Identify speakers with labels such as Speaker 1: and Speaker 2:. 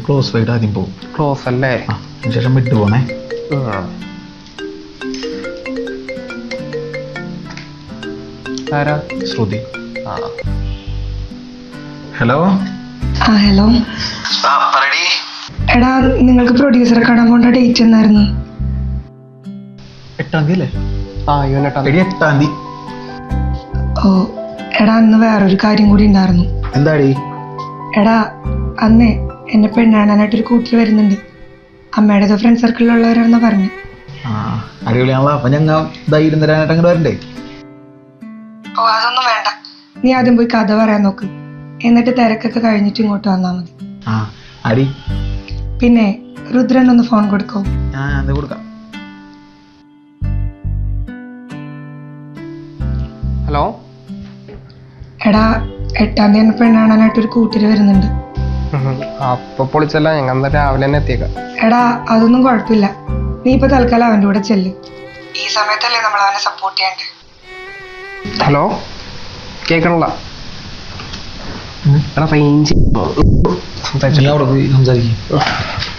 Speaker 1: Close wide ആദ്യം പോകും.
Speaker 2: Close അല്ലേ?
Speaker 1: അതിനുശേഷം വിട്ടു പോണേ.
Speaker 2: ആരാ?
Speaker 1: ശ്രുതി. ഹലോ.
Speaker 3: ഹലോ. എടാ, നിങ്ങൾക്ക് പ്രൊഡ്യൂസറെ കാണാൻ പോണ്ട ഡേറ്റ് എന്നായിരുന്നു?
Speaker 1: 8-ാം തീയതി അല്ലേ?
Speaker 2: 8-ാം
Speaker 1: തീയതി.
Speaker 3: ഓ എടാ, അന്ന് വേറൊരു കാര്യം കൂടി ഉണ്ടായിരുന്നു.
Speaker 1: എന്താടി?
Speaker 3: എടാ, അന്നേ എന്നെ പെണ്ണാണാനായിട്ടൊരു കൂട്ടിൽ വരുന്നുണ്ട്. അമ്മയുടെ ഫ്രണ്ട് സർക്കിളിലുള്ളവരാണെന്നാ പറഞ്ഞു.
Speaker 1: അടിപൊളിയാണല്ലോ. അപ്പൊ ഞങ്ങൾ ധൈര്യം തരാനായിട്ട് അങ്ങോട്ട് വരണ്ടേ?
Speaker 3: ഓ അതൊന്നും വേണ്ട, നീ ആദ്യം പോയി കഥ പറയാൻ നോക്ക്. എന്നിട്ട് തിരക്കൊക്കെ കഴിഞ്ഞിട്ട് ഇങ്ങോട്ട് വന്നാൽ മതി.
Speaker 1: അടി.
Speaker 3: പിന്നെ രുദ്രനൊന്ന് ഫോൺ കൊടുക്കോ?
Speaker 1: കൊടുക്കാം.
Speaker 2: ഹലോ.
Speaker 3: എടാ, 8-ാം തീയതി എന്നെ പെണ്ണാണാനായിട്ടൊരു കൂട്ടിൽ വരുന്നുണ്ട്.
Speaker 2: അപ്പൊ പൊളിച്ചല്ല, ഞങ്ങൾ എന്താ രാവിലെ തന്നെ എത്തിയേക്കാം.
Speaker 3: എടാ, അതൊന്നും കുഴപ്പമില്ല. നീ ഇപ്പൊ തൽക്കാലം അവൻ്റെ കൂടെ ചെല്ല്. ഈ സമയത്തല്ലേ നമ്മൾ അവനെ സപ്പോർട്ട് ചെയ്യണ്ടേ.
Speaker 2: ഹലോ, കേൾക്കണല്ല. റേഞ്ച്
Speaker 1: സംസാരിക്കും.